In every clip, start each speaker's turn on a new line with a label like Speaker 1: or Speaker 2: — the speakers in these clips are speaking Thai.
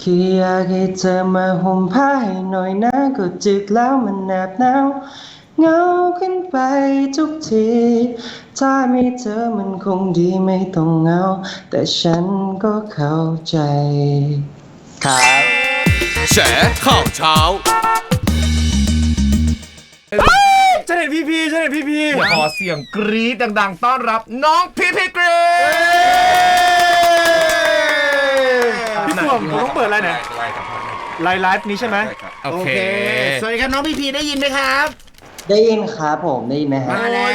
Speaker 1: คืออยากให้เธอมาห่มผ้าให้หน่อยนะก็จึกแล้วมันแนบหนาวเหงาขึ้นไปทุกทีถ้ามีเธอมันคงดีไม่ต้องเหงาแต่ฉันก็เข้าใจครับ
Speaker 2: แฉข่าวเช้า
Speaker 3: ฉันเห็นพี่ฉันเห็นพี่
Speaker 2: ขอเสียงกรี๊ดดังๆต้อนรับน้องพี่กรี๊ด
Speaker 3: พี่ส่วงผมต้องเปิดอะไรเนี่ยไลฟ์นี้ใช่ไหม
Speaker 2: โอเค
Speaker 4: สวัสดีครับน้องพี่ได้ยินไหมครับ
Speaker 1: ได้ยินครับผมได้ยินไหมครับ
Speaker 4: มาแล้ว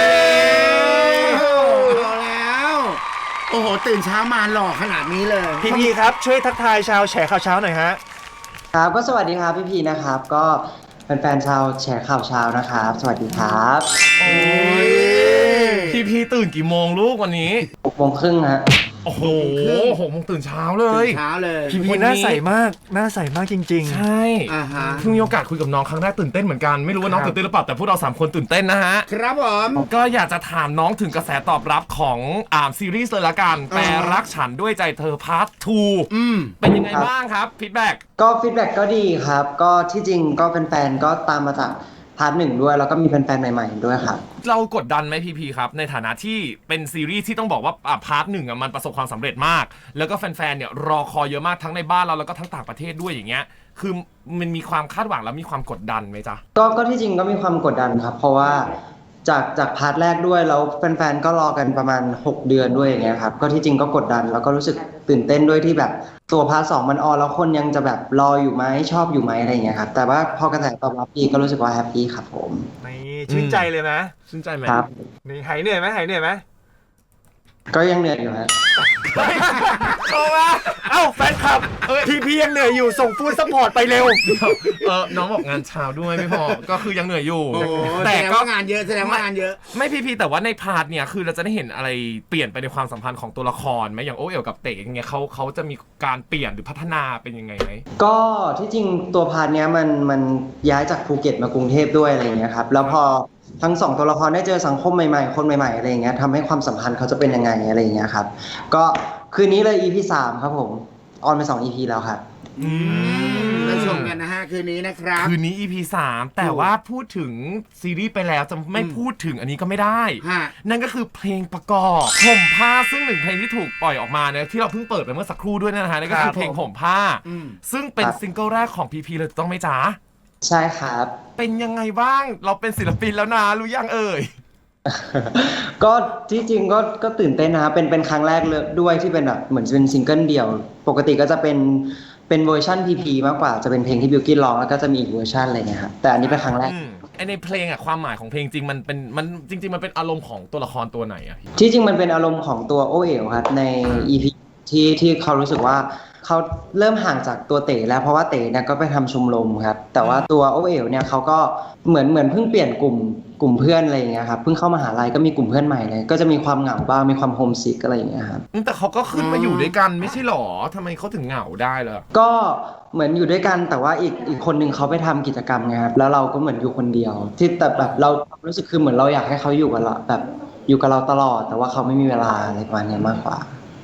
Speaker 4: โอ้โหตื่นเช้ามาหล่อขนาดนี้เลย
Speaker 3: พี่ครับช่วยทักทายชาวแฉข่าวเช้าหน่อยฮะ
Speaker 1: ครับก็สวัสดีครับพี่นะครับก็แฟนๆชาวแชร์ข่าวเช้านะครับสวัสดีครับ
Speaker 2: โอ้ยพี่ตื่นกี่โมงลูกวันนี้
Speaker 1: 6:30ฮะ
Speaker 2: โอ้โห6 โมงตื่นเช้าเลย
Speaker 3: พี่หน้าใสมากหน้าใสมากจริงๆ
Speaker 2: ใช่เพิ่งมีโอกาสคุยกับน้องครั้งแรกตื่นเต้นเหมือนกันไม่รู้ว่าน้องตื่นเต้นหรือเปล่าแต่พวกเรา3 คนตื่นเต้นนะฮะ
Speaker 4: ครับผม
Speaker 2: ก็อยากจะถามน้องถึงกระแสตอบรับของซีรีส์เลยละกันแปรรักฉันด้วยใจเธอพาร์ท 2เป็นยังไงบ้างครับฟีดแบ็ก
Speaker 1: ก็ดีครับก็ที่จริงก็แฟนๆก็ตามมาจากพาร์ท 1ด้วยแล้วก็มีแฟนๆใหม่ๆด้วยครับ
Speaker 2: เรากดดันไหมพีครับในฐานะที่เป็นซีรีส์ที่ต้องบอกว่าพาร์ท 1มันประสบความสำเร็จมากแล้วก็แฟนๆเนี่ยรอคอยเยอะมากทั้งในบ้านเราแล้วก็ทั้งต่างประเทศด้วยอย่างเงี้ยคือมันมีความคาดหวังแล้วมีความกดดันไหมจ๊ะ
Speaker 1: ก็ที่จริงก็มีความกดดันครับเพราะว่าจากพาร์ทแรกด้วยแล้วแฟนๆก็รอกันประมาณ6 เดือนด้วยอย่างเงี้ยครับก็ที่จริงก็กดดันแล้วก็รู้สึกตื่นเต้นด้วยที่แบบตัวพาร์ท 2มันออนแล้วคนยังจะแบบรออยู่ไหมชอบอยู่ไหมอะไรอย่างเงี้ยครับแต่ว่าพอกระแสตอบรับดีก็รู้สึกว่าแฮปปี้ครับผม
Speaker 3: นี่ชื่นใจเลยไหม
Speaker 2: ชื่นใจไหม
Speaker 1: ครับ
Speaker 3: นี่หายเหนื่อยไหม
Speaker 1: ก็ยังเหนื่อยอยู่ฮะ
Speaker 3: โอ้มาเอ้าแฟนคลับพี่ยังเหนื่อยอยู่ส่งฟู้ดซัพพอร์ตไปเร็ว
Speaker 2: น้องบอกงานเช้าด้วยไม่พอก็คือยังเหนื่อยอยู่
Speaker 4: แต่ก็งานเยอะแสดงว่างานเยอะ
Speaker 2: ไม่พีแต่ว่าในพาร์ทเนี่ยคือเราจะได้เห็นอะไรเปลี่ยนไปในความสัมพันธ์ของตัวละครไหมอย่างโอเอ๋วกับเต๋อย่างเงี้ยเขาจะมีการเปลี่ยนหรือพัฒนาเป็นยังไงไหม
Speaker 1: ก็ที่จริงตัวพาร์ทเนี้ยมันย้ายจากภูเก็ตมากรุงเทพด้วยอะไรอย่างเงี้ยครับแล้วพอทั้ง2ตัวละครได้เจอสังคมใหม่ๆคนใหม่ๆอะไรอย่างเงี้ยทำให้ความสัมพันธ์เขาจะเป็นยังไงอะไรอย่างเงี้ยครับก็คืนนี้เลย EP 3ครับผมออนไป2 EP แล้วครับ
Speaker 4: เราชมกันนะฮะคืนนี้นะครับ
Speaker 2: คืนนี้ EP 3แต่ว่าพูดถึงซีรีส์ไปแล้วจะไม่พูดถึงอันนี้ก็ไม่ได้นั่นก็คือเพลงประกอบห่มผ้าซึ่ง1 เพลงที่ถูกปล่อยออกมาเนี่ยที่เราเพิ่งเปิดไปเมื่อสักครู่ด้วยนะฮะนั่นก็คือเพลงห่มผ้าซึ่งเป็นซิงเกิลแรกของพีเลยต้องไหมจ๊ะ
Speaker 1: ใช่ครับ
Speaker 2: เป็นยังไงบ้างเราเป็นศิลปินแล้วนะรู้ยังเอ่ย
Speaker 1: ก็ที่จริงก็ตื่นเต้นนะครับเป็นครั้งแรกเลยด้วยที่เป็นแบบเหมือนเป็นซิงเกิลเดี่ยวปกติก็จะเป็นเวอร์ชันพีมากกว่าจะเป็นเพลงที่บิวกิ้นร้องแล้วก็จะมีอีกเวอร์ชันอะไรเงี้ยครับแต่อันนี้เป็นครั้งแรก
Speaker 2: ในเพลงความหมายของเพลงจริงมันจริงๆมันเป็นอารมณ์ของตัวละครตัวไหนอะ
Speaker 1: ที่จริงมันเป็นอารมณ์ของตัวโอเอ๋วครับใน EP ที่เขารู้สึกว่าเขาเริ่มห่างจากตัวเต๋แล้วเพราะว่าเต๋เนี่ยก็ไปทำชมรมครับแต่ว่าตัวโอเอ๋วเนี่ยเขาก็เหมือนเพิ่งเปลี่ยนกลุ่มเพื่อนอะไรอย่างเงี้ยครับเพิ่งเข้ามหาลัยก็มีกลุ่มเพื่อนใหม่เลยก็จะมีความเหงาบ้างมีความโฮมซิกอะไรอย่างเงี้ยครับ
Speaker 2: แต่เขาก็ขึ้นมาอยู่ด้วยกันไม่ใช่หรอทำไมเขาถึงเหงาได้ล่ะ
Speaker 1: ก็เหมือนอยู่ด้วยกันแต่ว่าอีกคนนึงเขาไปทำกิจกรรมไงครับแล้วเราก็เหมือนอยู่คนเดียวที่แต่แบบเรารู้สึกคือเหมือนเราอยากให้เขาอยู่กับเราแบบอยู่กับเราตลอดแต่ว่าเขาไม่มีเวลาอะไรประมาณนี้มากกว่า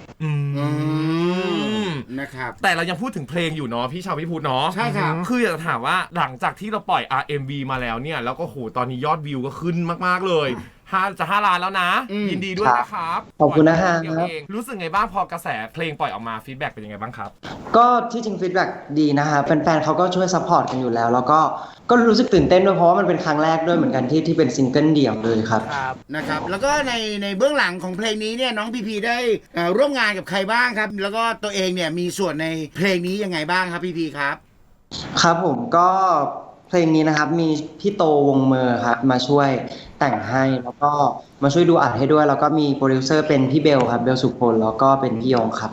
Speaker 4: นะครับ
Speaker 2: แต่เรายังพูดถึงเพลงอยู่เนาะพี่ชาวพี่พูดเนาะ
Speaker 4: ใช่ครับ
Speaker 2: คืออยากจะถามว่าหลังจากที่เราปล่อย RMV มาแล้วเนี่ยแล้วก็โหตอนนี้ยอดวิวก็ขึ้นมากๆเลย5 ล้านแล้วนะยินดีด้วยนะครับ
Speaker 1: ขอบคุณนะฮะ
Speaker 2: รู้สึกไงบ้างพอกระแสเพลงปล่อยออกมาฟีดแบ็กเป็นยังไงบ้างครับ
Speaker 1: ก็ที่จริงฟีดแบ็กดีนะครับแฟนๆเขาก็ช่วยซัพพอร์ตกันอยู่แล้วก็รู้สึกตื่นเต้นด้วยเพราะว่ามันเป็นครั้งแรกด้วยเหมือนกันที่เป็นซิงเกิลเดี่ยวเลยครับ
Speaker 4: นะครับแล้วก็ในเบื้องหลังของเพลงนี้เนี่ยน้องพีได้ร่วมงานกับใครบ้างครับแล้วก็ตัวเองเนี่ยมีส่วนในเพลงนี้ยังไงบ้างครับพีครับ
Speaker 1: ครับผมก็เพลงนี้นะครับมีพี่โตวงเมอร์ครับมาช่วยแต่งให้แล้วก็มาช่วยดูอัดให้ด้วยแล้วก็มีโปรดิวเซอร์เป็นพี่เบลครับเบลสุพลแล้วก็เป็นพี่ยงครับ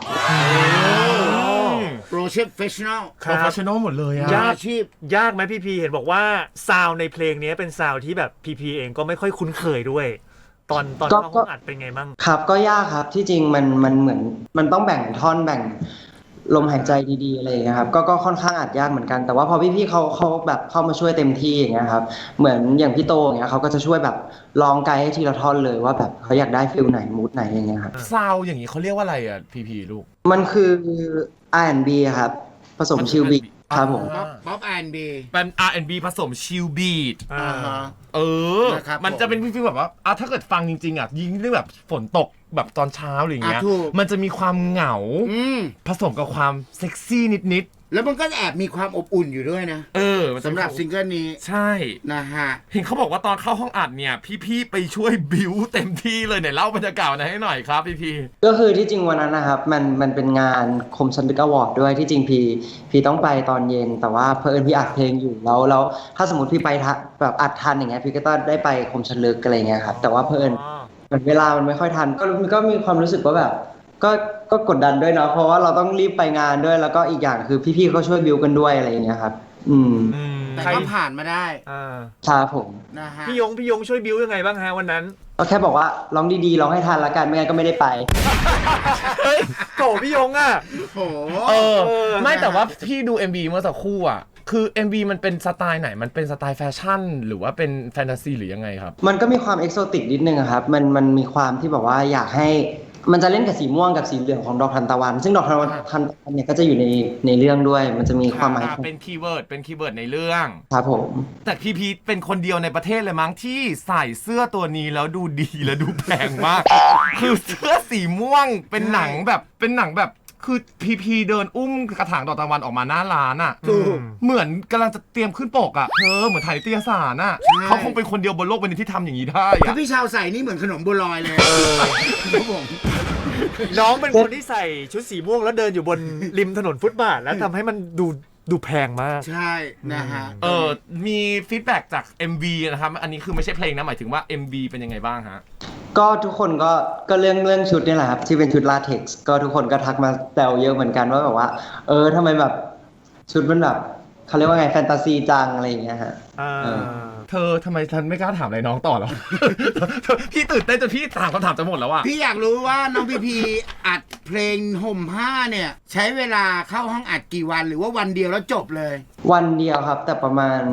Speaker 4: โปรเฟชชั่นอล
Speaker 2: หมดเลยอะ
Speaker 3: ยากไหมพีเห็นบอกว่าซาวในเพลงนี้เป็นซาวที่แบบพีเองก็ไม่ค่อยคุ้นเคยด้วยตอนเข้าห้องอัดเป็นไงบ้าง
Speaker 1: ครับก็ยากครับที่จริงมันเหมือนมันต้องแบ่งท่อนแบ่งลมหายใจดีๆอะไรอย่างเงี้ยครับก็ค่อนข้างอัดยากเหมือนกันแต่ว่าพอพี่ๆเขาแบบเข้ามาช่วยเต็มที่อย่างเงี้ยครับเหมือนอย่างพี่โตอย่างเงี้ยเขาก็จะช่วยแบบลองไกด์ให้ทีละท่อนเลยว่าแบบเขาอยากได้ฟิลไหนมูดไหนอย่างเงี้ยครับ
Speaker 2: ซาวอย่างงี้เขาเรียกว่าอะไรอ่ะพีลูก
Speaker 1: มันคือ R&B ครับผสมชิลบีครับผม
Speaker 4: ป๊อปแอนด์บี
Speaker 2: เป็น R&B ผสมชิลบีท เออ
Speaker 4: นะครับ
Speaker 2: มันจะเป็นฟีลแบบว่าถ้าเกิดฟังจริงๆยิ่งเรื่องแบบฝนตกแบบตอนเช้าอะไรอย่างเงี้ย
Speaker 4: ถูก
Speaker 2: มันจะมีความเหงา ผสมกับความเซ็กซี่นิด
Speaker 4: แล้วมันก็แอบมีความอบอุ่นอยู่ด้วยนะ
Speaker 2: ๆมันจะ
Speaker 4: สำหรับซิงเกิลนี้
Speaker 2: ใช่
Speaker 4: นะฮะ
Speaker 2: เห็นเขาบอกว่าตอนเข้าห้องอัดเนี่ย พี่ๆไปช่วยบิวเต็มที่เลยไหนเล่าบรรยากาศนั้นให้หน่อยครับพี่
Speaker 1: ก็คือที่จริงวันนั้นนะครับมันเป็นงานคมชันลึกอวอร์ดด้วยที่จริงพี่ต้องไปตอนเย็น แต่ว่าเพิ่นพี่อัดเพลงอยู่แล้วถ้าสมมติพี่ไปแบบอัดทันอย่างเงี้ยพี่ก็ต้องได้ไปคมชันลึกอะไรเงี้ยครับแต่ว่าเพิ่นเหมือนเวลามันไม่ค่อยทันก็มีความรู้สึกว่าแบบก็กดดันด้วยเนาะเพราะว่าเราต้องรีบไปงานด้วยแล้วก็อีกอย่างคือพี่ๆเขาช่วยบิวกันด้วยอะไรอย่างเงี้ยครับ
Speaker 4: แต่
Speaker 3: ใคร
Speaker 4: ก็ผ่านมาได้
Speaker 1: ครับผม
Speaker 4: นะฮะ
Speaker 3: พี่ยงช่วยบิวยังไงบ้างฮะวันนั้น
Speaker 1: ก็แค่บอกว่าร้องดีๆร้องให้ทันละกันไม่งั้นก็ไม่ได้ไป
Speaker 3: เฮ้ยโถพี่ยงอ่ะ
Speaker 4: โอ้โห
Speaker 2: ไม่แต่ว่าพี่ดู MV เมื่อสักครู่คือ MV มันเป็นสไตล์ไหนมันเป็นสไตล์แฟชั่น หรือว่าเป็นแฟนตาซีหรือยังไงครับ
Speaker 1: มันก็มีความเอกโซติกนิดนึงอะครับมันมีความที่แบบว่าอยากให้มันจะเล่นกับสีม่วงกับสีเหลืองของดอกทานตะวัน ซึ่งดอกทานตะวันเนี่ยก็จะอยู่ในเรื่องด้วย มันจะมีความหมาย
Speaker 2: เป็นคีย์เวิร์ดในเรื่อง
Speaker 1: ครับผม
Speaker 2: แต่พีเป็นคนเดียวในประเทศเลยมั้งที่ใส่เสื้อตัวนี้แล้วดูดีและดูแพงมาก คือเสื้อสีม่วงเป็นหนังแบบคือพีเดินอุ้มกระถางดอกทานตะวันออกมาหน้าร้านเหมือนกำลังจะเตรียมขึ้นปกเหมือนถ่ายนิตยสารเขาคงเป็นคนเดียวบนโลกใบนี้ที่ทำอย่างนี้ได้
Speaker 4: ถ้าพี่ชาวใส่นี่เหมือนขนมบัวลอยเลยครับผม
Speaker 3: น้องเป็นคนที่ใส่ชุดสีม่วงแล้วเดินอยู่บนริมถนนฟุตบาทแล้วทำให้มันดูแพงมาก
Speaker 4: ใช่นะฮะ
Speaker 2: มีฟีดแบ็กจาก MV นะครับอันนี้คือไม่ใช่เพลงนะหมายถึงว่า MV เป็นยังไงบ้างฮะ
Speaker 1: ก็ทุกคนก็เรื่องชุดนี่แหละครับที่เป็นชุดลาเท็กซ์ก็ทุกคนก็ทักมาแซวเยอะเหมือนกันว่าแบบว่าทำไมแบบชุดมันแบบเขาเรียกว่าไงแฟนตาซีจังอะไรอย่างเงี้ยฮะ
Speaker 2: เธอทำไมฉันไม่กล้าถามอะไรน้องต่อหรอ พี่ตื่นเต้นจนพี่ถามคำถามจะหมดแล้วอะ
Speaker 4: พี่อยากรู้ว่าน้องพีอัดเพลงห่มผ้าเนี่ยใช้เวลาเข้าห้องอัดกี่วันหรือว่าวันเดียวแล้วจบเลย
Speaker 1: วันเดียวครับแต่ประมาณ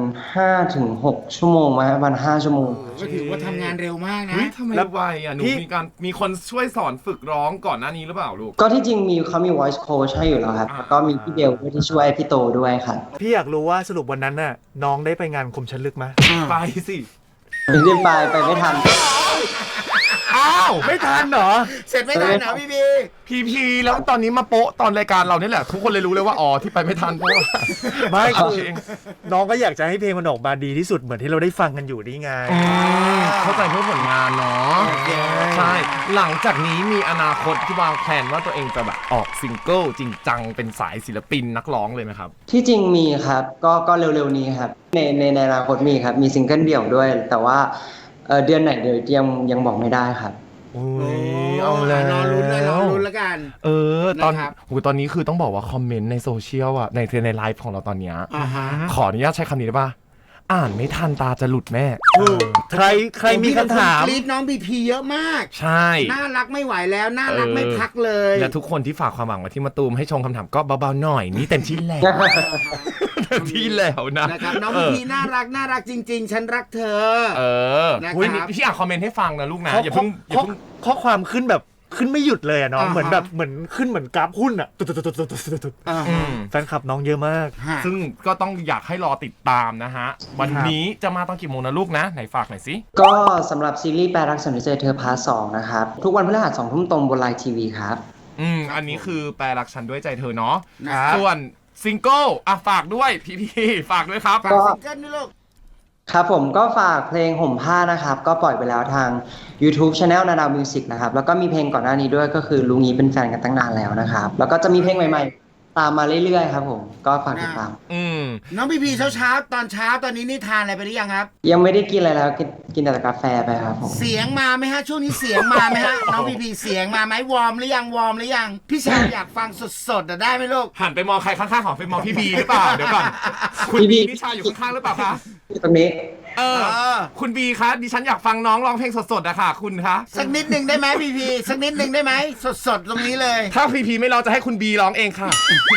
Speaker 1: 5-6 ชั่วโมงมาวัน5 ชั่วโมง
Speaker 4: ก็ถือว่าทำงานเร็วมากนะ
Speaker 2: ทำไมไวหนูมีคนช่วยสอนฝึกร้องก่อนหน้านี้หรือเปล่าลูก
Speaker 1: ก็ที่จริงเขามี voice coach ให้อยู่แล้วครับแล้วก็มีพี่เบลด้วยที่ช่วยพี่โตด้วยครับ
Speaker 3: พี่อยากรู้ว่าสรุปวันนั้นน่ะน้องได้ไปงานคมชันลึกไหม
Speaker 2: ไปสิ
Speaker 1: ไม่ได้ไปไม่ทัน
Speaker 3: อ้าวไม่ทันเหรอ
Speaker 4: เสร็จไม่ทันเหรอ
Speaker 2: พีแล้วตอนนี้มาโป๊ะตอนรายการเรานี่แหละทุกคนเลยรู้เลยว่าที่ไปไม่ทันเพราะว่า
Speaker 3: ไม่คือน้องก็อยากจะให้เพลงมันออกมาดีที่สุดเหมือนที่เราได้ฟังกันอยู่นี่ไง
Speaker 2: เข้าใจเพื่อผลงานเนาะใช่หลังจากนี้มีอนาคตที่วางแผนว่าตัวเองจะแบบออกซิงเกิลจริงจังเป็นสายศิลปินนักร้องเลยไหมครับ
Speaker 1: ที่จริงมีครับก็เร็วๆนี้ครับในอนาคตมีครับมีซิงเกิลเดี่ยวด้วยแต่ว่าเดือนไหนเดี๋ยวยังบอกไม่ได้ครับ
Speaker 2: เอาแล้ว
Speaker 4: รอลุ้นแล้วกัน
Speaker 2: ตอนนี้คือต้องบอกว่าคอมเมนต์ในโซเชียลในไลฟ์ของเราตอนนี้ขออนุญาตใช้คำนี้ได้ป่ะอ่านไม่ทันตาจะหลุดแม่
Speaker 3: ใครมีคำถาม
Speaker 4: กรี๊ดน้องพีเยอะมาก
Speaker 2: ใช่
Speaker 4: น่ารักไม่ไหวแล้วน่ารักไม่พักเลย
Speaker 2: และทุกคนที่ฝากความหวังมาที่มะตูมให้ชงคำถามก็เบาๆหน่อยนี่เต็มที่แล้วที่แล้ว
Speaker 4: นะครับน้องพีน่ารักจริงๆฉันรักเธอ
Speaker 2: นะครับพี่อ่านคอมเมนต์ให้ฟังนะลูกนะอย่าเพิ่ง
Speaker 3: ข้อความขึ้นแบบขึ้นไม่หยุดเลยน้องเหมือนแบบเหมือนขึ้นเหมือนกราฟหุ้นอ่ะแฟนคลับน้องเยอะมาก
Speaker 2: ซึ่งก็ต้องอยากให้รอติดตามนะฮะวันนี้จะมาตอนกี่โมงนะลูกนะไหนฝากหน่อยสิ
Speaker 1: ก็สำหรับซีรีส์แปลรักฉันด้วยใจเธอพาร์ท 2นะครับทุกวันพฤหัส 20:00 นตรงบนไลน์ทีวีครับ
Speaker 2: อันนี้คือแปลรักฉันด้วยใจเธอเนาะส่วนซิงเกิลฝากด้วยพี่ฝากด้วยครับ
Speaker 4: ฝากซิงเกิลด้วยลูก
Speaker 1: ครับผมก็ฝากเพลงห่มผ้านะครับก็ปล่อยไปแล้วทาง YouTube Channel นาดาวมิวสิกนะครับแล้วก็มีเพลงก่อนหน้านี้ด้วยก็คือลุงนี้เป็นแฟนกันตั้งนานแล้วนะครับแล้วก็จะมีเพลงใหม่ๆตามมาเรื่อยๆครับผมก็ฝากติดตาม
Speaker 4: น้องพีเช้าตอนเช้าตอนนี้นี่ทานอะไรไปหรือยังครับ
Speaker 1: ยังไม่ได้กินอะไรแล้วกินแต่กาแฟไปครับผม
Speaker 4: เสียงมาไหมฮะช่วงนี้เสียงมาไหมฮะน้องพีเสียงมาไหมวอร์มหรือยังพี่ชายอยากฟังสดๆได้ไหมลูก
Speaker 2: หันไปมองใครข้างๆของไปมองพี่บีหรือเปล่าเดี๋ยวก่อนคุณบีพี่ชายอยู่ข้างๆหรือเปล่าคะ
Speaker 1: ตรงนี้
Speaker 2: คุณบีคะดิฉันอยากฟังน้องร้องเพลงสดๆอะค่ะคุณคะ
Speaker 4: สักนิดนึงได้ไหมพีสักนิดนึงได้ไหมสดๆตรงนี้เลย
Speaker 2: ถ้าพีไม่ร้องจะให้คุณบีร้องเองค่ะ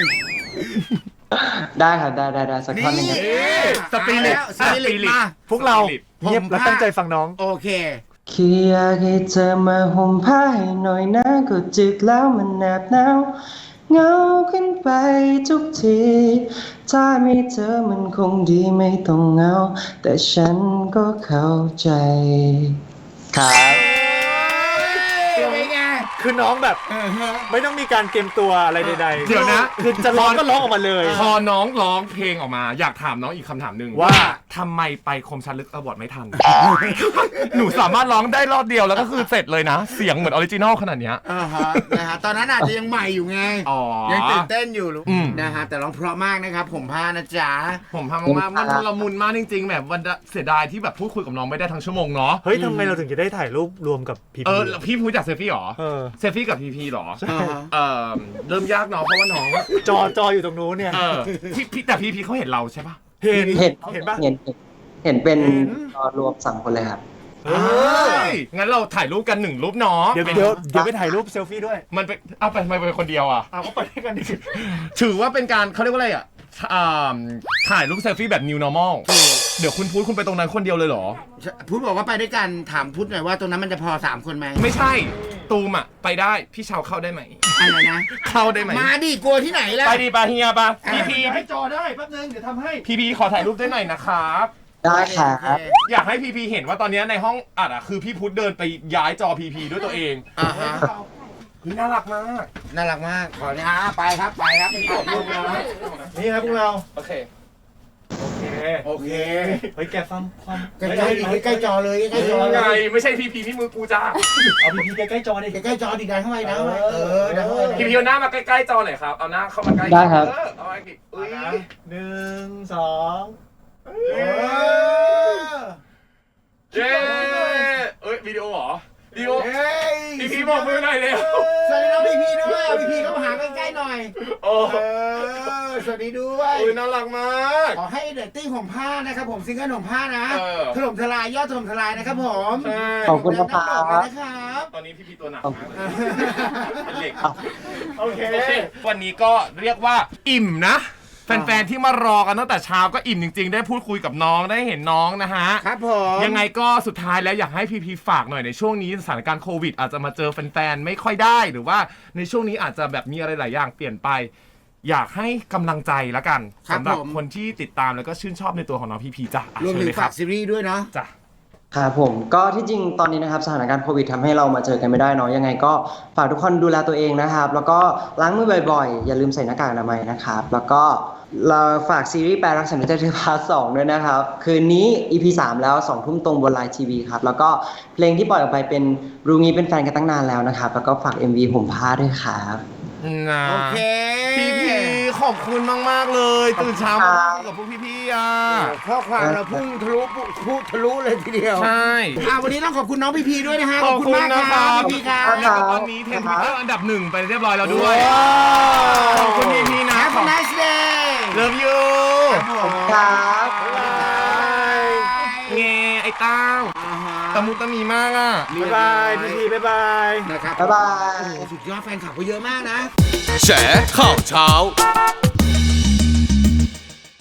Speaker 1: ได้ครับได้สักท่อนนึง
Speaker 2: สปิริต
Speaker 3: มาพวกเราเงียบและตั้งใจฟังน้อง
Speaker 4: โอเค
Speaker 1: คืออยากให้เธอมาห่มผ้าให้หน่อยนะก็จึกแล้วมันแนบหนาวเหงาขึ้นไปทุกทีถ้าไม่เจอมันคงดีไม่ต้องเหงาแต่ฉันก็เข้าใจครับ
Speaker 4: เป็นไง
Speaker 3: คือน้องแบบไม่ต้องมีการเตรียมตัวอะไรใดๆ
Speaker 2: เดี๋ยวนะ
Speaker 3: คือจะร้องก็ร้องออกมาเลย
Speaker 2: พอน้องร้องเพลงออกมา อยากถามน้องอีกคำถามหนึ่ง
Speaker 3: ว่า
Speaker 2: ทำไมไปคมชัดลึกอวอร์ดไม่ทัน หนูสามารถร้องได้รอบเดียวแล้วก็คือเสร็จเลยนะ เสียงเหมือนออริจินอลขนาดเนี้ย
Speaker 4: นะฮะตอนนั้นอาจจะยังใหม่อยู่ไง
Speaker 2: อ๋อ
Speaker 4: ยังตื่นเต้นอยู่
Speaker 2: อืม
Speaker 4: นะฮะแต่ร้องเพราะมากนะครับผมพานะจ๊ะ
Speaker 2: ผมทำมากๆมันละมุนมากจริงๆแบบวันเสียดายที่แบบพูดคุยกับน้องไม่ได้ทั้งชั่วโมงเนาะ
Speaker 3: เฮ้ยทำไมเราถึงจะได้ถ่ายรูปรวมกับพี
Speaker 2: แล้วพี่พูดจากเซฟี่หรอ เซฟี่กับพีพีหรอ เริ่มยากเนาะเพราะว่าน้อง
Speaker 3: จออยู่ตรงนู้นเนี่ย
Speaker 2: พี่แต่พีเขาเห็นเราใช่ปะ
Speaker 3: เห็น
Speaker 1: เห็น
Speaker 3: ปะ
Speaker 1: เห็นเป็น
Speaker 3: เห็น
Speaker 1: รวม3 คนเลยครับ
Speaker 3: เฮ้ย
Speaker 2: งั้นเราถ่ายรูปกัน1 รูปเนาะ
Speaker 3: เดี๋ยวไปถ่ายรูปเซลฟี่ด้วย
Speaker 2: มันเป็นเอาไปทำไมเป็นคนเดียวอ่ะ
Speaker 3: เอาก็ไปด้วยกันดิ
Speaker 2: ถือว่าเป็นการเขาเรียกว่าอะไรอ่ะถ่ายรูปเซลฟี่แบบ new normal เดี๋ยวคุณพูดคุณไปตรงนั้นคนเดียวเลยเหรอ
Speaker 4: พุทธบอกว่าไปด้วยกันถามพุทธหน่อยว่าตรงนั้นมันจะพอ3 คนไหม
Speaker 2: ไม่ใช่ตูมอ่ะไปได้พี่เชาเข้าได้ไหม
Speaker 4: อะไรนะ
Speaker 2: เข้าได้ไหม
Speaker 4: มาดิกลัวที่ไหนล่ะ
Speaker 2: ไปดีปะเฮียปะพี
Speaker 3: ให้จอได้แป๊บนึงเดี๋ยวทำให้
Speaker 2: พีขอถ่ายรูปด้วยหน่อยนะครับ
Speaker 1: ได้ครับ
Speaker 2: อยากให้พีเห็นว่าตอนนี้ในห้องอัดอ่ะคือพี่พุทธเดินไปย้ายจอพีด้วยตัวเอง
Speaker 4: อ่าฮะ
Speaker 2: เฮ้ยน่ารักมาก
Speaker 4: น่ารักมากขอเนี่ยไปครับไปครับไปถ่ายรูปนะ
Speaker 3: นี่ครับพวกเรา
Speaker 2: โอเค
Speaker 3: โอเค
Speaker 4: โอเค
Speaker 3: เฮ้ยแกฟังความ
Speaker 4: ใกล้ๆดิใกล้ๆจอเลยใกล้ๆจอ
Speaker 2: ไง
Speaker 4: เลย
Speaker 2: ไม่ใช่พีที่มือกูจ้า
Speaker 3: เอาพีใกล้ๆจอดิ
Speaker 4: ใกล้ๆจอดิดันเข้าไปดันเข้าไปดันเข้าไป
Speaker 2: พีเอาหน้ามาใกล้ๆจอหน่อยครับเอาหน้าเข้ามาใกล้
Speaker 1: ได้ครับ
Speaker 2: เอาไว้กี่อุ้ย
Speaker 3: 1 2
Speaker 2: เย้เอ้ยวิดีโอเหรอวิดีโอ
Speaker 4: เฮ้ย
Speaker 2: พีบอกมือหน่อยเร็ว
Speaker 4: สวัสดีน้องพีด้วยเอาพีเข้ามาหาใกล้ๆหน่อย
Speaker 2: โอ้
Speaker 4: สวัสดีด้วย
Speaker 2: อุ้ยน่ารักมาก
Speaker 4: ขอให้เรตติ้งของผ้านะครับผมซิงเกิลของผ้านะ
Speaker 2: เออ
Speaker 4: ถล่มทลายยอดถล่มทลายนะครับผม
Speaker 2: ใช่
Speaker 1: ขอบคุณครับ
Speaker 4: นะครับ
Speaker 2: ตอนนี้พีตัวหนักมากเลยเป็นเหล็ก
Speaker 3: โอเค
Speaker 2: โอเค วันนี้ก็เรียกว่าอิ่มนะ แฟนๆที่มารอกันตั้งแต่เช้าก็อิ่มจริงๆ ได้พูดคุยกับน้องได้เห็นน้องนะฮะ
Speaker 4: ครับผม
Speaker 2: ยังไงก็สุดท้ายแล้วอยากให้พีฝากหน่อยในช่วงนี้สถานการณ์โควิด อาจจะมาเจอแฟนๆไม่ค่อยได้ หรือว่าในช่วงนี้อาจจะแบบมีอะไรหลายอย่างเปลี่ยนไป อยากให้กำลังใจละกันสำหรับคนที่ติดตามแล้วก็ชื่นชอบในตัวของน้องพีจ้ะ
Speaker 4: รวม
Speaker 2: เชิญ
Speaker 4: ถึง
Speaker 2: เลยค
Speaker 4: ฝา
Speaker 2: รั
Speaker 4: ก
Speaker 2: บ
Speaker 4: ซีรีส์ด้วยเนาะ
Speaker 2: จ้ะ
Speaker 1: ครับผมก็ที่จริงตอนนี้นะครับสถานการณ์โควิดทำให้เรามาเจอกันไม่ได้เนาะยังไงก็ฝากทุกคนดูแลตัวเองนะครับ แล้วก็ล้างมือบ่อยๆ อย่าลืมใส่หน้ากากอนามัยนะครับ แล้วก็เราฝากซีรีส์แปลรักฉันด้วยใจเธอพาร์ท 2ด้วยนะครับ คืนนี้ EP 3 แล้ว 2 ทุ่มตรงบนไลน์ทีวีครับ แล้วก็เพลงที่ปล่อยออกไปเป็นรู้งี้เป็นแฟนกันตั้งนานแล้วนะครับ แล้วก็ฝาก MV ผมพาด้วยครับ
Speaker 2: นะ
Speaker 4: โอเค
Speaker 2: พีขอบคุณมากๆเลยตื่นเช้ามาคุยกับพวกพี่ๆอ่ะ
Speaker 4: ข้อความเราพุ่งทะลุเลยทีเดียว
Speaker 2: ใช่
Speaker 4: วันนี้ต้องขอบคุณน้องพีด้วยนะฮะ
Speaker 2: ขอบคุณ
Speaker 4: มาก
Speaker 2: นะค
Speaker 4: ค
Speaker 2: รั
Speaker 4: รับบ พีครับ
Speaker 1: ครับ
Speaker 2: ตอนนี้เทรนด์ทวิตเตอร์อันดับ 1 ไปเรียบร้อยแล้วด้วย
Speaker 4: ว้าว
Speaker 2: ขอบคุณพี่ๆนะ
Speaker 4: Have a nice day
Speaker 2: Love you
Speaker 1: ครับ
Speaker 2: เงไอ้เต้าตะมุตะมีมากอ่ะ
Speaker 3: บ๊ายบายพีบ๊ายบาย
Speaker 4: นะครับ
Speaker 1: บ๊ายบาย
Speaker 4: โอ้โหสุดยอดแฟนคลับเขาเยอะมากนะ
Speaker 5: แฉข่าวเช้า